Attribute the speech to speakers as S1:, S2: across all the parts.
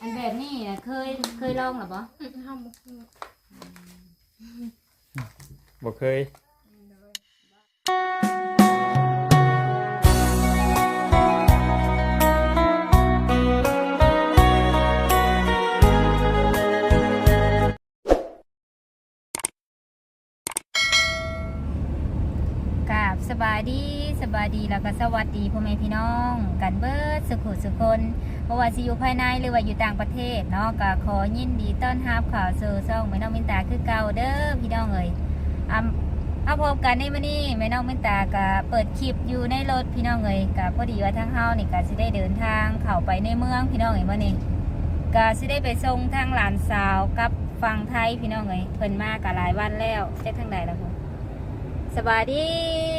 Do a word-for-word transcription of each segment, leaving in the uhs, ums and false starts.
S1: อันแบบนี้นะเคยเคยลองหรือเปล่า
S2: ทำ
S3: บ่เคย
S1: สบายดีสบายดีแล้วก็สวัสดีพ่อแม่พี่น้องกันเบิดสุขุสุคนเพราะว่าสิอยู่ภายในหรือว่าอยู่ต่างประเทศเนาะก็ขอยินดีต้อนรับข่าวสู่ช่องแม่น้องมินตาคือเก่าเด้อพี่น้องเอ๋ยอ่าเอาพบกันในมื้อนี้แม่น้องมินตาก็เปิดคลิปอยู่ในรถพี่น้องเอ๋ยก็พอดีว่าทางเฮานี่ก็สิได้เดินทางเข้าไปในเมืองพี่น้องเอ๋ยมื้อนี้ก็สิได้ไปส่งทางหลานสาวกับฝั่งไทยพี่น้องเอ๋ยเพิ่นมาก็หลายวันแล้วจักทางใดล่ะพุ่นสบายดี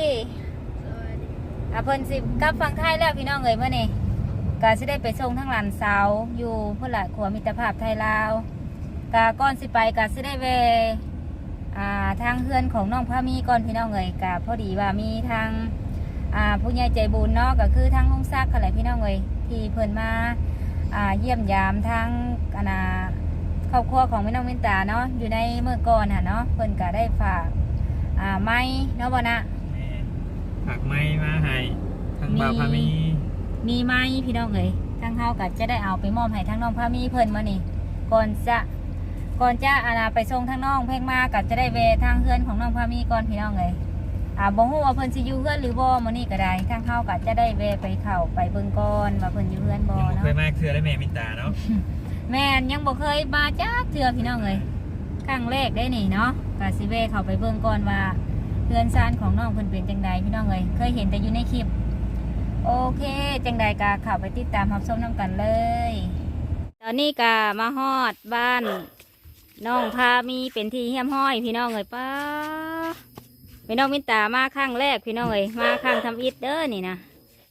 S1: อ่ะเพิ่นสิกลับฝั่งไทยแล้วพี่น้องเอ๋ยเมื่อนี่ก็สิได้ไปส่งทั้งหลานสาวอยู่พุ่นละขัวมิตรภาพไทยลาวก็ก่อนสิไปก็สิได้แวะอ่าทางเฮือนของน้องพามีก่อนพี่น้องเอ๋ยก็พอดีว่ามีทางอ่าผู้ใหญ่ใจบุญเนาะก็คือทางห้องซักกันแหละพี่น้องเอ๋ยที่เพิ่นมาอ่าเยี่ยมยามทางอ่าครอบครัวของแม่น้องมินตาเนาะอยู่ในเมื่อก่อนน่ะเนาะเพิ่นก็ได้ฝากอ่าไม้เนาะบ่นะ
S3: ผักไม้มาให้ทั้งบ่าวพามี
S1: มีไม้พี่น้องเอ๋ยทางเฮาก็จะได้เอาไปมอบให้ทางน้องพามีเพิ่นมานี่ก่อนจะก่อนจะอาไปส่งทางน้องเพ่งมาก็จะได้แวะทางเฮือนของน้องพามีก่อนพี่น้องเอ๋ยอ่าบ่ฮู้ว่าเพิ่นสิอยู่เฮือนหรือบ่มื้อนี้ก็ได้ทางเฮาก็จะได้แวะไปเข้าไปเบิ่งก่อนว่าเพิ่นอยู่เฮือนบ่เนาะ
S3: เคยมาเทื่อได้แม่มินตาเนาะ
S1: แม่นยังบ่เคยมาจักเทื่อพี่น้องเอ๋ยครั้งแรกได้นี่เนาะก็สิแวะเข้าไปเบิ่งก่อนว่าเฮือนซานของน้องเพิ่นเป็นจังใดพี่น้องเอ๋ยเคยเห็นแต่อยู่ในคลิปโอเคจังใดกาเข้าไปติดตามรับชมน้ำกันเลยตอนนี้กามาฮอดบ้านน้องพามีเป็นที่เฮี้ยมห้อยพี่น้องเอ๋ยป้าพี่น้องมินตามาครั้งแรกพี่น้องเอ๋ยมาครั้งทำอิฐเด้อนี่นะ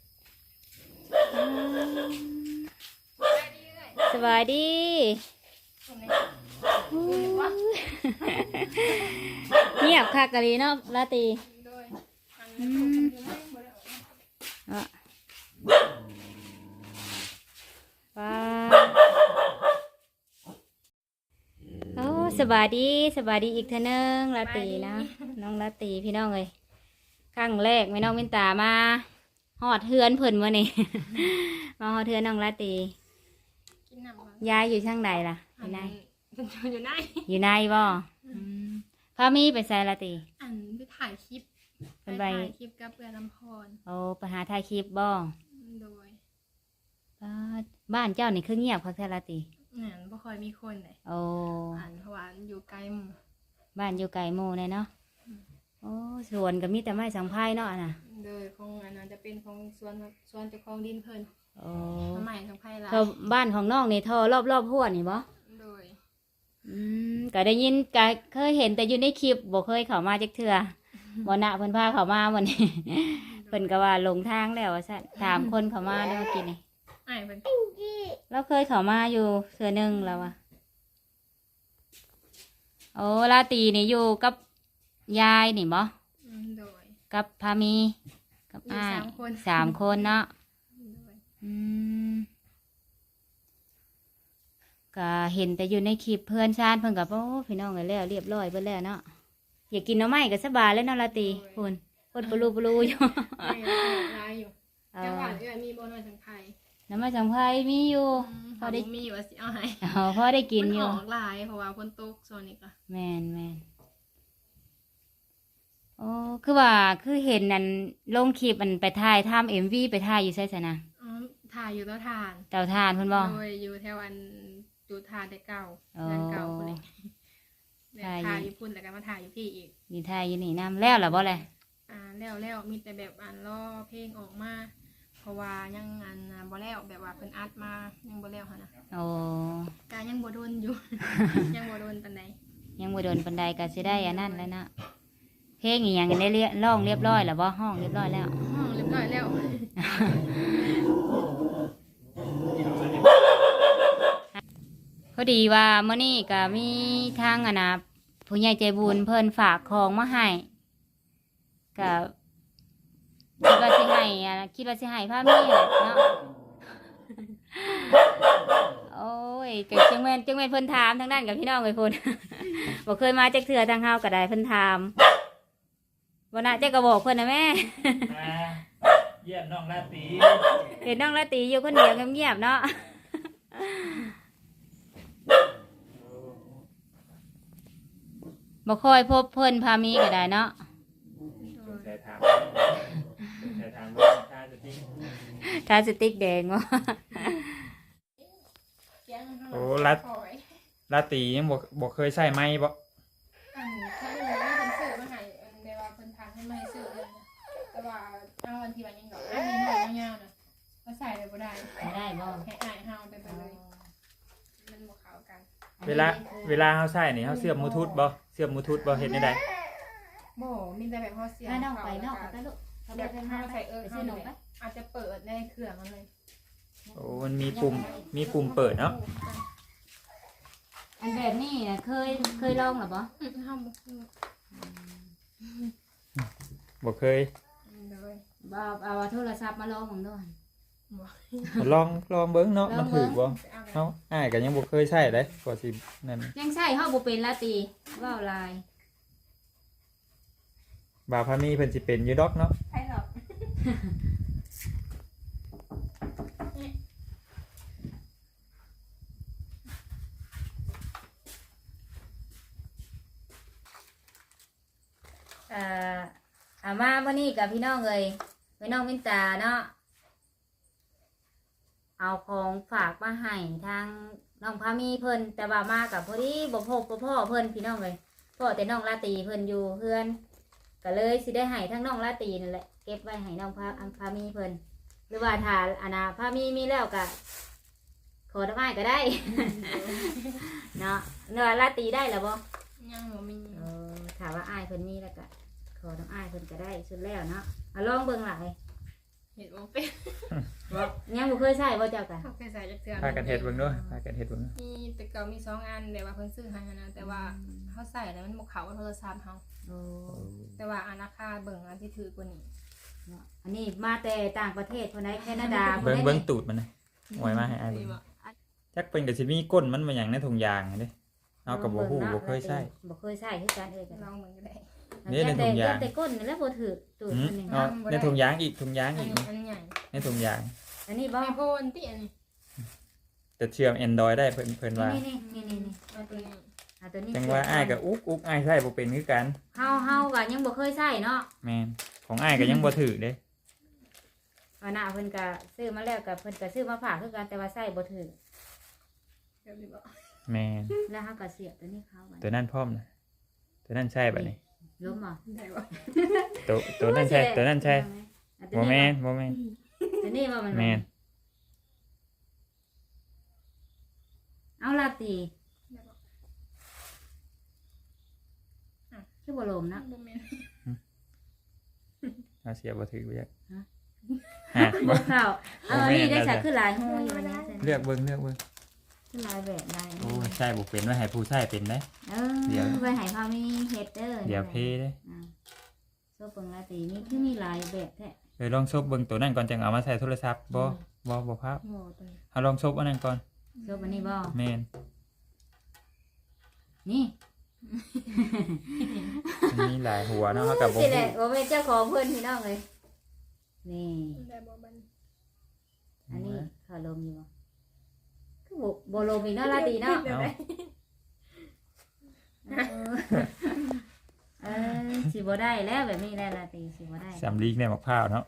S1: สบายดีเงียบคักกะลีเนาะลาตีอ่ะว้าโอ้สบายดีสบายดีอีกเท่านึงลาตีนะน้องลาตีพี่น้องเลยครั้งแรกไม่น้องมินตามาหอดเทือนเพิ่นมานี่ มาหอดเทือนน้องลาตียายอยู่ช่างใดล่ะอยู่ใน
S2: อยู่ใน
S1: อยู่ในบ่พามีไปใส่ลาตี
S2: อันไปถ่ายคลิปเป็นไปถ่ายคลิปกับเพื่อนลำพร
S1: โอ้ไปหาถ่ายคลิปบ่
S2: โดย
S1: บ้านเจ้านี่คือเงียบคักแท้ลาตี
S2: เนี่ยบ่ค่อยมีคนเลย
S1: โอ้
S2: อันเพราะว่าอยู่ไกลหมู่
S1: บ้านอยู่ไกลหมู่เลยเนาะโอ้สวนก็มีแต่ไม้สังไพ่เนาะน่ะ
S2: โดยของอันนั้นจะเป็นของสวนสวนเจ้าของดินเพิ่น
S1: โอ้
S2: ไม้สังไพ่หลาย
S1: บ้านของน้องนี่ท่อรอบๆหัวนี่บ่
S2: โดย
S1: อืมก็ได้ยินก็เคยเห็นแต่อยู่ในคลิปบ่เคยเข้ามาจักเทื่อบ่น่ะเพิ่นพาเข้ามามื้อนี้เพิ่นก็ว่าลงทางแล้วว่าซั่นถามคนเข้ามาแล้วเมื่อกี้นี่
S2: อ้ายเพิ่น
S1: เราเคยเข้ามาอยู่เทื่อนึงแล้วอ่ะโอ้ลาตีนี่อยู่กับยายนี่บ่
S2: โดย
S1: กับพามีกับอ้ายสามคนเนาะอืมก็เห็นแต่อยู่ในคลิปเพื่อนชาติเพิ่นกับโอ้พี่น้องกันแล้วเรียบร้อยเพิ่นแล้วเนาะอยากกินน้ำไม้ก็สบายแล้วเนาะลาตีคุณคนปลูปลูอยู่
S2: ลายอยู่แต่ว่าเอื้อมีบ่น้อยสังไพ่
S1: น้ำไม้สังไพ่มีอยู่
S2: พอได้มีอยู่ว่าสิเอาให้
S1: อ๋อพอได้กินอยู่
S2: มันออกลายเพราะว่าฝนตกโซนนี้ก็
S1: แม่นแม่นโอ้คือว่าคือเห็นนั่นลงคลิปมันไปถ่ายทำเอ็มวีไปถ่ายอยู่ใช่ไหมนะ
S2: อ๋อถ่ายอยู่เตาถ่าน
S1: เตาถ่านเพิ่นบ่
S2: โดยอยู่แถวอันจุดถ่านแต่เก่าเงินเก่าคนนี้ถ่ายอยู่พุ่นแต่ก็มาถ่ายอยู่พี่อีก
S1: นี่ถ่ายอยู่นี่น้ำแล้วหรอบ่เลย
S2: อ่าแล้วแล้วมีแต่แบบอันล่อเพลงออกมาเพราะว่ายังอันบ่แล้วแบบว่าเพิ่นอัดมายังบ่แล้วหั่นน่ะ
S1: โอ้
S2: การยังบ่โดนอยู่ ยังบ่โดนปานใด
S1: ยังบ่โดนปานใดก็สิได้อันนั้นแล้วนะเพลงอีหยังได้เรียร้องเรียบร้อยแล้วบ่ห้องเรียบร้อยแล้ว
S2: ห้องเรียบร้อยแล้ว
S1: พอดีว่าเมื่อนี้ก็มีทางอะนะผู้ใหญ่ใจบุญเพิ่นฝากของมาให้ก็คิดว่าสิให้อะคิดว่าสิให้พามีเนาะโอ้ยยก็จังแม่นจังแม่นเพิ่นถามทางด้านกับพี่น้องเอ้ยพุ่น บ่เคยมาจักเทื่อทางเฮาก็ได้เพิ่นถามบ่น่าจะก็บอกเพิ่นนะแม่
S3: มาเยี่ยมน้องราตรี
S1: เห็นน้องละตีอยู่คนเดียวเงียบๆเนาะ บ่ค่อยพบเพิ่นพามีก็ได้เนาะ
S3: ใส่ถามใส่ถามว่าค่าจะทิ้ง
S1: ทาสติกแดงวะ
S2: เสียงข้างหลัง
S3: โอ้รัด
S2: คอย
S3: ราตรียังบ่บ่เคยใส่ไม้บ่
S2: อันถ้าเรื่องนี้เป็นสื่อมาให้อันเดี๋ยวว่าเพิ่นทางให้มาให้สื่อเลยนะแต่ว่าเอาวันที่วันยังดอกอันนี้หน่อยยาวๆนะก็ใส่เลยบ่ได้
S1: ไม่ได้บ่
S2: ให้อายเฮาไปไปเลยมันบ่เข้ากัน
S3: เวลาเวลาเฮาใส่นี่เฮาเสียบมูทูธบ่เสียบมูทูธบ่เฮ็ดได้ใด
S2: บ่มีแต่แบบเฮาเสีย
S1: ถ้าน้องไปนอกก็ลูก
S2: เดี๋ยวเฮาใส่เออ
S1: ไป
S2: เฮา
S1: ซื้อนม
S2: เนี่ย
S1: ไป
S2: อาจจะเปิดในเครื่องมันเลย
S3: โอ้มันมีปุ่มมีปุ่มเปิดเนาะ
S1: อันแบบนี้น่ะเคยเคยลองหรอบ่
S2: อืมเฮาบ่คือ
S3: บ่เคย
S2: เลย
S1: บ่เอาโทรศัพท์มาลองผมด้วย
S2: บ่
S3: ลองลองเบิ่งเนาะมันถูกบ่
S2: ไปเอาไป
S3: เฮาอ้ายก็ยังบ่เคยใช้เด้กว่าสินั่น
S1: ยังใส่เฮาบ่เป็นละตีว่าวลาย
S3: บ่าวพามีเพิ่นสิเป็นอยู่ดอกเนาะ
S2: ใช่หรอก
S1: เอ่ออามาวันนี้กับพี่น้องเลยพี่น้องมินตาเนาะเอาของฝากมาให้ทางน้องพามีเพิ่นแต่ว่ามากับพอดีบ่พบบ่พ่อเพิ่นพี่น้องเลยพ่อแต่น้องลาตรีเพิ่นอยู่เพื่อนก็เลยสิได้ให้ทั้งน้องลาตรีนั่นแหละเก็บไว้ให้น้องพาอังพามีเพิ่นหรือว่าถ้าอานาพามีมีแล้วก็ขอทำไมก็ได้ เนาะเนื้อลาตรีได้หรือบ่
S2: ยังบ่มี
S1: เออถามว่าอ้ายเพิ่นมีแล้วก็ขอน้ำอ้ายเพิ่นก็ได้สุดแล้วเนาะเอาลองเบิ่งหลาย
S2: เห็ดบ่เป็น
S1: บ่ยังบ่เคยใช้บ่เจ้ากัน
S2: เขาเคยใส่จักเทื่อ
S3: พากันเฮ็ดเบิ่งด้วยพากันเฮ็ดเบิ่ง
S2: มีแต่เก่ามีสองอันแต่ว่าเพิ่นซื้อให้นะแต่ว่าเขาใส่แล้วมันบ่เข้ากับโทรศัพท์เฮา
S1: โอ้
S2: แต่ว่าอันราคาเบิ่งอันที่ถือกว่านี้
S1: เนาะอันนี้มาแต่ต่างประเทศเพิ่นได้แคนาดา
S3: เบิ่ง
S1: พิ่นได้
S3: เบิ่งตูดมันนะหวยมาให้อ้ายเบิ่งจักเพิ่นก็สิมีก้นมันมาหยังในถุงยางเด้เอาก็บ่ฮู้บ่เคยใช้
S1: บ่เคยใช้คือกันเอ้ยกัน
S2: ลองเบิ่งก็ได้
S3: นี่ในถุงยาง
S1: แต่ก้นนี่แหล้วบ่ถือตูด
S3: อืม
S1: มันนี่
S3: เอาในถุงยางอีกถุงยาง
S2: อัน
S3: อีก
S2: นี้อันใหญ่
S3: ในถุงยาง
S1: อันนี้บ่
S2: ไอโฟนติอันนี้
S3: จะเชื่อม Android ได้เพิ่นเพิ่นว่า
S1: นี่นี่นี่นี่
S2: เอาตัวนี้
S1: เอาตัวนี้
S3: จังว่าอ้ายก็อุกอุกอ้ายใช้บ่เป็นคือกัน
S1: เฮาเฮาก็ยังบ่เคยใช้เนาะ
S3: แม่นของอ้ายก็ยังบ่ถือเด้
S1: ว่าน่ะเพิ่นก็ซื้อมาแล้วก็เพิ่นก็ซื้อมาฝากคือกันแต่ว่าใช้บ่ถือ
S2: เดี๋ยวสิบอก
S3: แม่น
S1: แล้วเฮาก็เสียบตัวนี้เข้าไป
S3: ตัวนั้นพร้อมนะตัวนั้นใช่บัดนี้
S1: ล้มบ่
S2: ได้บ่
S3: ตัวตัวนั้นใช่ตัวนั้นใช่
S1: เอา
S3: บ่
S1: ตัว
S3: แม่
S1: นี้
S3: นบ่แม่น
S1: ตัวนี้ว่ามัน
S3: แม่น
S1: เอาลาตี
S2: ได้บ่
S1: คือบ่ลมนะ
S2: บ่แม่น
S3: เอาเสียบ่ถือบ่จัก
S1: ฮะ
S3: ฮะ
S1: บ่
S3: บ่
S1: เข้าเอาอันนี้ได้
S3: บ่แม่น
S1: สักคือหลายหูอยู่อันนี้
S3: เลือกเบิ่งเลือกเบิ่ง
S1: คือหลายแบบหลาย
S3: โอ้ยใช่บ่เป็นว่าให้ผู้ใช้เป็นได้
S1: เอ
S3: เดี๋ยว
S1: อไว้ให้พ่อมีเฮ็ดเด้อ
S3: เดี๋ยวเพเด้
S1: อ่าโซเปิงลาตีนี่คือมีหลายแบบแท้
S3: เดี๋ยวลองซบเบิ่งตัวนั้นก่อนจังเอามาใส่โทรศัพท์บ่บ่บ่ครับ
S2: โง่ตัวนี้
S3: เอาลองซบอันนั้นก่อน
S1: โซอันนี้บ่
S3: แม่น
S1: นี่
S3: มันมีหลายหัวเนาะเฮาก็บ่
S1: สิแห
S3: ฮู้
S1: ละบ่เป็นเจ้าของเพิ่นพี่น้องเลยนี่
S2: ได้บ่บัน
S1: อันนี้เขาลมอยู่บ่คือบ่บ่ลมอีกเนาะลาตีเนาะ
S3: เอา
S1: เออเออสิบ่ได้แล้วแบบนี้แล้วลาตีสิบ่ได้
S3: สำลีกในมะพร้าวเนาะ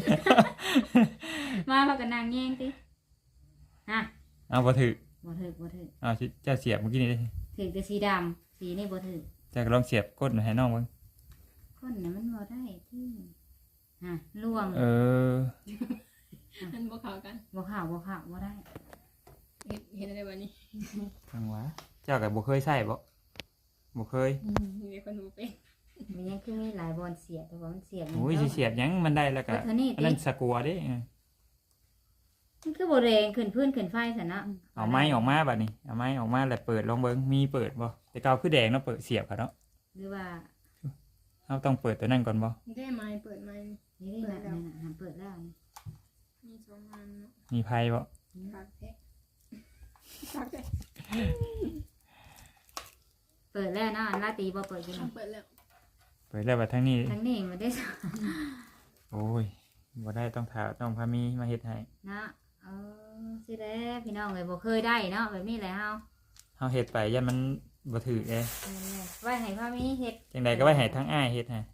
S1: มาพากันนางแย่งติฮะ
S3: เอาบ่ถือ
S1: บ่ถือบ่ถือ
S3: เอาสิเจ้าเสียบเมื่อกี้นี่เด้
S1: ถือแต่สีดำสีนี่บ่ถือ
S3: เจ้าก็ลองเสียบก้นให้น้องเบิ่ง
S1: คนน่ะมันบ่ได้ที่ฮะล่วง
S3: เออ
S2: มันบ่เข้ากัน
S1: บ่เข้าบ่เข้าบ่ได้
S2: เห็นเห็นอะไรบ่นี่
S3: จังหวะเจ้าก็บ่เคยใช้บ่บ่เคย
S2: มีคนบ่เป็น
S1: มันยังคือมีหลายบอลเสียบแต่ว่ามันเสียบ
S3: โอ้ยสิเสียบหยังมันได้แล้วก็
S1: เท่านี้
S3: อัน
S1: ติ
S3: นั้นสกัวเด้เออ
S1: มันคือบ่แรงขึ้นพื้นขึ้นไฟซั่นเนาะ
S3: เอาไม้ออกมาบัดนี้เอาไม้ออกมาแล้วเปิดลองเบิ่งมีเปิดบ่แต่เก่าคือแดงเนาะเปิดเสียบอะเนาะ
S1: หรือว่า
S3: เฮาต้องเปิดตัวนั้นก่อนบ่
S2: ได้ไม้เปิดไม้
S1: นี่นี่น่ะนั่นน่ะหันเปิดแล้วนี่
S2: มีสองอันเนาะ
S3: มีไผบ่
S2: ปากแท้ปากแท้
S1: เปิดแล้วเนาะอันลาตีบ่เปิดกิน
S2: เอาเปิดแล้ว
S3: เปิดแล้วว่าทั้งนี้
S1: ทั้งนี้มาได้
S3: โอ้ยบ่ได้ต้องถามต้องพามีมาเฮ็ดให้
S1: เนาะเออสิแล้พี่น้องเลยบ่เคยได้เนาะแบบนี้แหละเฮา
S3: เฮาเฮ็ดไปยันมันบ่ถือเด้
S1: เออไว้ให้พ่อมีเฮ็ด
S3: จังใดก็ไว้ให้ทั้งอ้ายเฮ็ดให้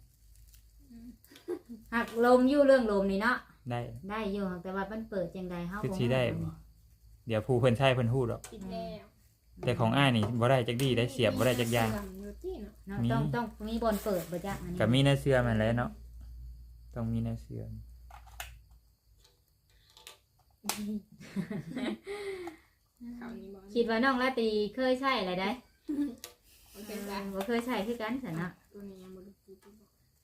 S1: หักลมอยู่เรื่องลมนี่เนาะ
S3: ได้
S1: ได้อยู่แต่ว่ามันเปิดจังใดเฮา
S3: คือ
S1: บ่
S3: สิได้บ่เดี๋ยวผู้เพิ่นใช้เพิ่นฮู้ดอก
S2: ปิดแล้ว
S3: แต่ของอ้ายนี่บ่ได้จักดีได้เสียบบ่ได้จักอย่าง
S2: เสื่อมอยู่ที่เนาะ
S1: เนาะ
S3: มี
S1: ต้องต้องมีบอลเปิดบ่จักอันนี้
S3: ก็มีในเสื้อมันแหล้วเนาะต้องมีในเสื้อ
S2: ข่าวนี้บอก
S1: คิดว่าน้องลาตีเคยใช้อะไรได้
S2: โอ
S1: เอ
S2: เค
S1: อ
S2: จ้ะ
S1: บ่เคยใช้คือกันซั่นเนาะ
S2: ตัวนี้ยังบ่ได้ปิดบอก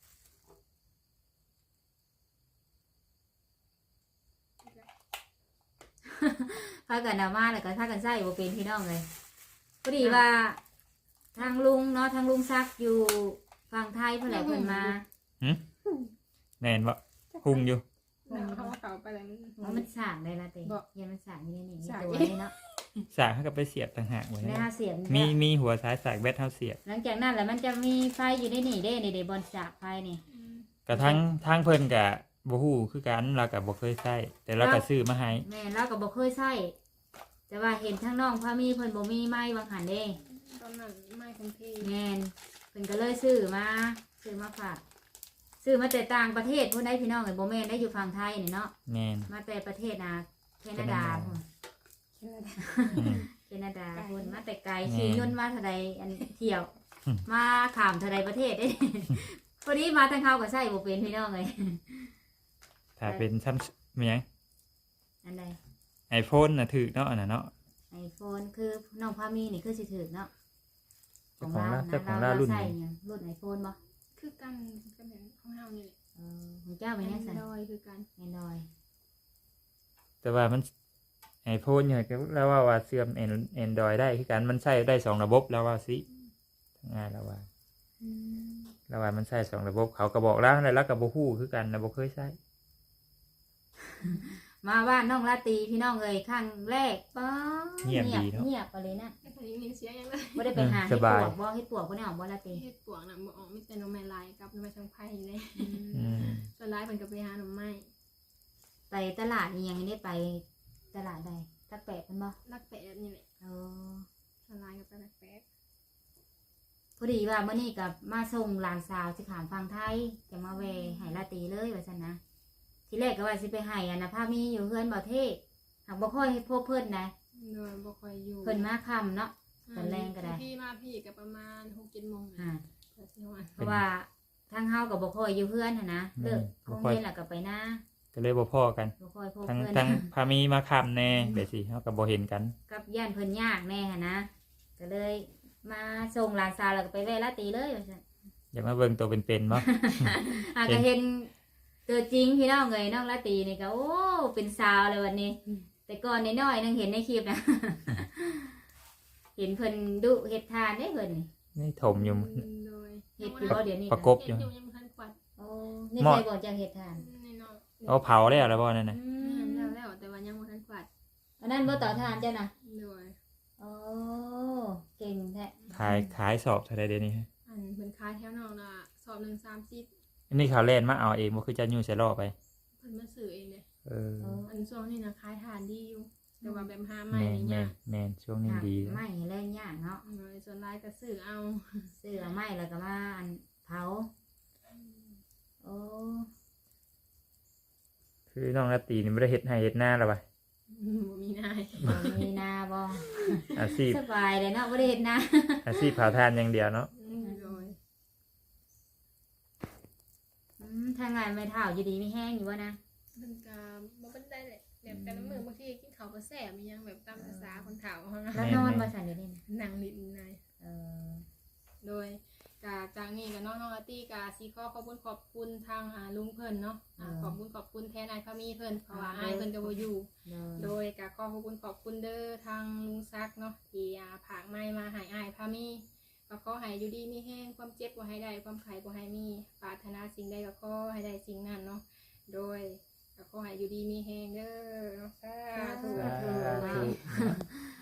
S1: พากันเอามาแล้วก็พากันใช้บ่เป็นพี่น้องเลยพอดีว่าทางลุงเนาะทางลุงซักอยู่ฝั่งไทยเพิ่นแหละเพิ่นมา
S3: แม่นบ่คุงอยู่
S2: แล้วเขาว่าเขาไปแล้วมัน
S1: ว่ามันสร้างได้ละเต้
S2: บ่
S1: อย่ามันสร้างนี่นี่
S2: สร้าง
S1: ตัวนี้เนาะ
S3: สากเฮาก็ไปเสียบต่างหากไว้
S1: ได้
S3: นะ
S1: ห้าเสียบ
S3: มี
S1: เนี่ย
S3: มีหัวสายสากแบตเฮาเสียบ
S1: หลังจากนั้นแล้วมันจะมีไฟอยู่ในนี่เด้นี่เด้บอลสากไฟนี่
S2: อืม
S3: กระทั่งทางเพิ่นก็บ่ฮู้คือกันเราก็บ่เคยใช้แต่เราก็ซื้อมาให้
S1: แม่เราก็บ่เคยใช้แต่ว่าเห็นทางน้องพามีเพิ่นบ่มีไม้วางหันเด้
S2: ตอนนั้นไม่คงที่
S1: แม่นเพิ่นก็เลยซื้อมาซื้อมาฝากซื้อมาแต่ต่างประเทศพุ่นได้พี่น้องเอ้ยบ่แม่นได้อยู่ฝั่งไทยนี่เนาะ
S3: แม่น
S1: มาแต่ประเทศนะแคนาดาพุ่น
S3: อืม
S1: แคนาดาพุ่นมาแต่ไกล
S3: แม่น
S1: ขี่ยนต์มาเท่าใดอันเที่ยว
S3: อืม
S1: มาข้ามเท่าใดประเทศเด้ พอดีมาทางเขาก็ใช้บ่เป็นพี่น้องเอ้ย
S3: ถ้าเป็นซัมมีหยัง
S1: อันใด
S3: iPhone น่ะถูกเนาะอันน่ะเนาะ
S1: ไอโฟนคือน้องพามีนี่คือสิถือเนาะ
S3: เจ้าของเรา
S1: นะ
S3: เจ้าของเรารุ่น
S1: ใส่
S3: นี้
S1: หยังรุ่นไอโฟนบ่
S2: คือกันก็เป็นของเฮานี่แหละ
S1: เออของเจ้าเป็นยังไง
S2: ดอยคือกัน
S1: แอนดรอย
S3: แต่ว่ามัน iPhone เนี่ยก็แล้วว่าว่าเสื่อม Android ได้คือกันมันใช้ได้สองระบบแล้วว่าสิง่ายแล้วว่าแล้วว่ามันใช้สองระบบเขาก็บอกแล้วแล้วก็บ่ฮู้คือกันนะบ่เคยใช้
S1: มาบ้านน้องลาตีพี่น้องเอ้ยครั้งแรกป๊า
S3: เงียบดีเนาะ
S1: เงียบไปเลยนะ
S2: แต่ตอนนี้มีเสียงยังเลย
S1: บ่ได้ไปหา
S3: ส
S1: เฮ็ดป
S3: บา
S1: วย กบ่เฮ็ดปวกบ่ได้ออกบ่ลาตี
S2: เฮ็ดปวกน่ะบ่ออกมีแต่หน่อไม้ลายกับหน่อไม้ทางไผ่เลย
S3: อืม
S2: ส่วนหลายเพิ่นก็ไปหาหน่อไม้
S1: ไปตลาดนี่ยังได้ไปตลาดใดตักแปะเพิ่นบ่
S2: ลักแปะนี่แหละ
S1: เออ
S2: ส่วนหลายก็ไปลักแปะ
S1: พอดีว่ามื้อนี้ก็มาส่งหลานสาวสิขามฟังไทยจะมาแวะให้ลาตีเลยว่าซั่นนะทีแรกก็ว่าสิไปให้อันน่ะพามีอยู่เฮือนบ่เทศหากบ่ค่อยพบเพิ่นนะ
S2: โดยบ่ค่อยอยู่
S1: เพิ่นมาค่ำเนาะ ตอนแรงก็ได้
S2: พี่มาพี่ก็ประมาณหกเจ็ดโมง
S1: อ่า
S2: ก็สิฮอด
S1: เพราะว่าทางเฮากับบ่ค่อยอยู่เพื่อนน่ะนะเลิกโรงเรียนแล้วก็ไปหน้า
S3: ก็เลยบ่พอกัน
S1: บ่ค่อยพบ
S3: ทั้ง
S1: เพื่อน
S3: ทั้งพามีมาค้ำแน่เดี๋ยวสิเฮาก็บ่เห็นกัน
S1: กับย่านเพิ่นยากแน่หันนะก็เลยมาส่งหลานสาวแล้วก็ไปแวะลาตีเลยว่าซั่น
S3: อยากมาเบิ่งตัวเป็นๆบ่
S1: อ่ะก็เห็นตัวจริงพี่น้องเอ้ยน้องลาตีนี่ก็โอ้เป็นสาวเลยวันนี้ แต่ก่อนน้อยๆนึงเห็นในคลิปนะ เห็นเพิ่นดุเฮ็ดทานได้เพิ่นนี่
S3: นี่ถมอยู่
S2: โดย
S1: เฮ็ดอยู่บ่เดี๋ยวนี้
S3: ประกบ
S2: เฮ็ดอยู่ยังบ่ทันกวาด
S1: โอ้นี่
S3: หม้อ
S1: ใครบอกจะเฮ็ดทาน
S2: นี่เนาะ
S3: เอาเผาแล้วแล้วบ่นั่นน่ะ
S1: อื
S2: แม่
S1: ม
S2: นแล้วแล้วแต่ว่ายังบ่ทันกวาด
S1: อันนั้นบ่ต่อทานจ้ะนะ
S2: โดย
S1: โอ้เก่งแท้
S3: ขายขายสอบเท่าใดเดี๋ยวนี้ฮะ
S2: อันเพิ่นขายแถวนอกน่ะสอบหนึ่งสามสิบ
S3: อันนี้เขาเล่นมาเอาเองบ่คือจะยู่ใส่ล่อไป
S2: เพิ่นมาซื้อเองเด้
S3: เออ
S1: โอ้
S2: อันช่วงนี้น่ะขายทานดีอยู่แต่ว่าแบบหาใหม่
S3: แม่น
S2: นี่
S3: แม่
S2: ยาน ก
S3: แม่นช่วงนี้ดี
S1: ไม่แรงยากเนาะ
S2: โดยส่วนหลายก็ซื้อเอา
S1: ซื้อเอาไม้แล้วก็มาอันเผาโอ้
S3: คือน้องนาตีนี่บ่ได้เฮ็ดให้เฮ็ดหน้าแล้วว่ะ
S2: บ่มีนาย
S1: บ่มีนาบ่
S3: อาชีพ
S1: สบายเลยเนาะบ่ได้เฮ็ดนา
S3: อาชีพเผาทานอย่างเดียวเนาะ
S2: โดย
S1: อืมทางงานไม่เท่าอยู่ดีมีแห้งอยู่วะนะ
S2: มันก็บ่เป็นได้แหละแบบแต่ละมื้อบางทีกินข้าวก็แซ่บมีหยังแบบตามภาษาคนเฒ่าเฮานะ
S1: แล้วนอนบ่สั่นเดี๋ยวนี้นะ
S2: นั่งนิดนาย
S1: เออ
S2: โดยกาจากนี้กับน้องน้องอาร์ตี้กาซีขอขอบคุณขอบคุณทางอ่าลุงเพิ่นเนาะอ่าขอบคุณขอบคุณแทนนายพามีเพิ่นเพราะว่าอายเพิ่นก็บ่อยู่
S1: เดิน
S2: โดยกาขอขอบคุณขอบคุณเด้อทางลุงซักเนาะที่อ่าผากไม้มาให้อายพามีก็ขอให้อยู่ดีมีแห้งความเจ็บบ่ให้ได้ความไข้บ่ให้มีปรารถนาสิ่งใดก็ขอให้ได้สิ่งนั้นเนาะโดยก็ขอให้อยู่ดีมีแห้งเด้อเนาะสาธุ
S3: สาธุ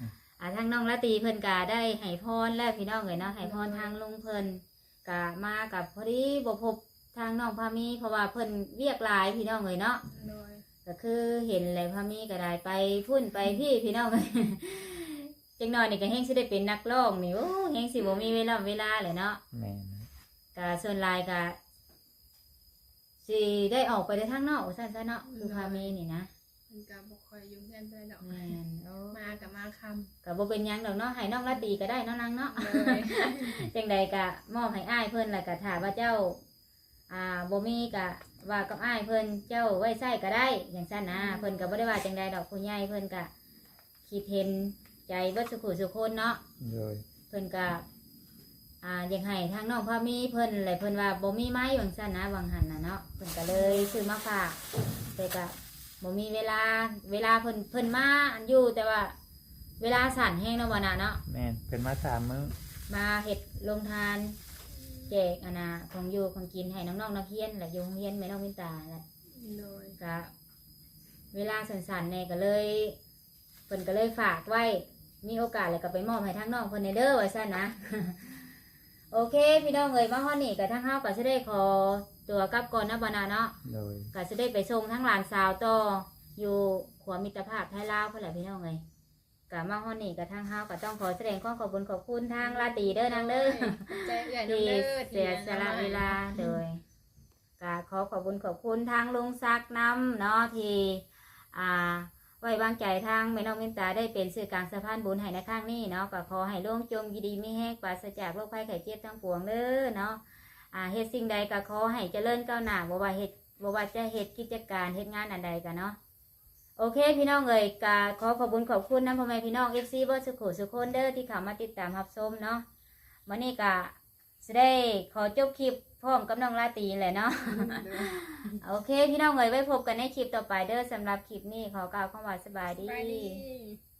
S1: อ่าทางน้องละตีเพิ่นก็ได้ให้พรแล้วพี่น้องเอ้ยเนาะให้พรทางลุงเพิ่นก็มากับพอดีบ่พบทางน้องพามีเพราะว่าเพิ่นเวียกหลายพี่น้องเอ้ยเนาะ
S2: โดย
S1: ก็คือเห็นเลยพามีก็ได้ไปพุ่นไปพี่พี่น้องเอ้ย จังน้อยนี่ก็แฮงสิได้เป็นนักร้องนี่โอ้แฮงสิบ่มีเวลาเวลาเลยเนาะ
S3: แม่น
S1: ก็ส่วนหลายก็สิได้ออกไปได้ทางนอกซั่นซะเนาะคือพามีนี่นะ
S2: มันก็บ่ค่อยอยู่เพื่อนไปดอก
S1: แม่นโอ้
S2: มากับมาคำ
S1: ก็บ่เป็นหยังดอกเนาะให้น้องละตีก็ได้เนาะนางเนาะ
S2: เลย
S1: จังใดก็มอบให้อ้ายเพิ่นแล้วก็ถ้าว่าเจ้า อ่าบ่มีก็ว่ากับอ้ายเพิ่นเจ้าไว้ใช้ก็ได้อย่างซั่นนะเพิ่นก็บ่ได้ว่าจังใดดอกผู้ใหญ่เพิ่นก็คิดเห็นใจเบิดสุขุสุคนเนาะ
S3: โดย
S1: เพิ่นก็อ่าอยากให้ทางน้องพ่อมีเพิ่นเลยเพิ่นว่าบ่มีไม้ว่าซั่นนะวังหันน่ะเนาะเพิ่นก็เลยซื้อมาฝากแต่ก็บ่มีเวลาเวลาเพิ่นเพิ่นมาอันอยู่แต่ว่า เวลาสั่นแห้งเนาะบ่น่ะเนาะ
S3: แม่นเป็นมาสามมื้อ
S1: มาเฮ็ดโรงทานแจกอันน่ะของอยู่ของกินให้น้องๆนักเรียนและอยู่โรงเรียนแม่น้องวินตาแหละ
S2: โดย
S1: ก็เวลาสั้นๆเนี่ยก็เลยเพิ่นก็เลยฝากไว้มีโอกาสเลยก็ไปมอบให้ทางน้องเพิ่นในเด้อว่าซั่นนะ โอเคพี่น้องเอ้ยมาฮอดนี่ก็ทางเฮาก็สิได้ขอตัวกลับก่อนนะบ่นาเนาะ
S3: โดย
S1: ก็สิได้ไปส่งทั้งหลานสาวต่ออยู่ขวมิตรภาพไทยลาวพุ่นแหละพี่น้องเอ้ยก็มาฮอดนี่ก็ทางเฮาก็ต้องขอแสดงความขอบคุณขอบคุณทางลาตรีเด้อนางเด้อ
S2: ใจใหญ่
S1: ที่
S2: เด้อ
S1: เสียสละเวลาโดยก็ขอขอบคุณขอบคุณทางลุงซักน้ำเนาะที่อ่าไว้วางใจทางแม่น้องมินตาได้เป็นสื่อกลางสะพานบุญให้ในข้างนี้เนาะก็ขอให้ล่วงจมยิดีไม่แห้งปราศจากโรคภัยไข้เจ็บทั้งปวงเด้อเนาะอ่าเฮ็ดสิ่งใดก็ขอให้เจริญก้าวหน้าบ่ว่าเฮ็ดบ่ว่าจะเฮ็ดกิจการเฮ็ดงานอันใดกันเนาะโอเคพี่น้องเอ่ยก็ขอขอบคุณขอบคุณนะพ่อแม่พี่น้อง เอฟ ซี เบิร์ดสุขุสุขคนเด้อที่เข้ามาติดตามรับชมเนาะวันนี้ก็จะได้ขอจบคลิปพร้อมกับน้องลาตรีแหละเนาะ โอเคพี่น้องเอ๋ยไว้พบกันในคลิปต่อไปเด้อสำหรับคลิปนี้ขอกล่าวคำว่าสบายดี
S2: ไปดี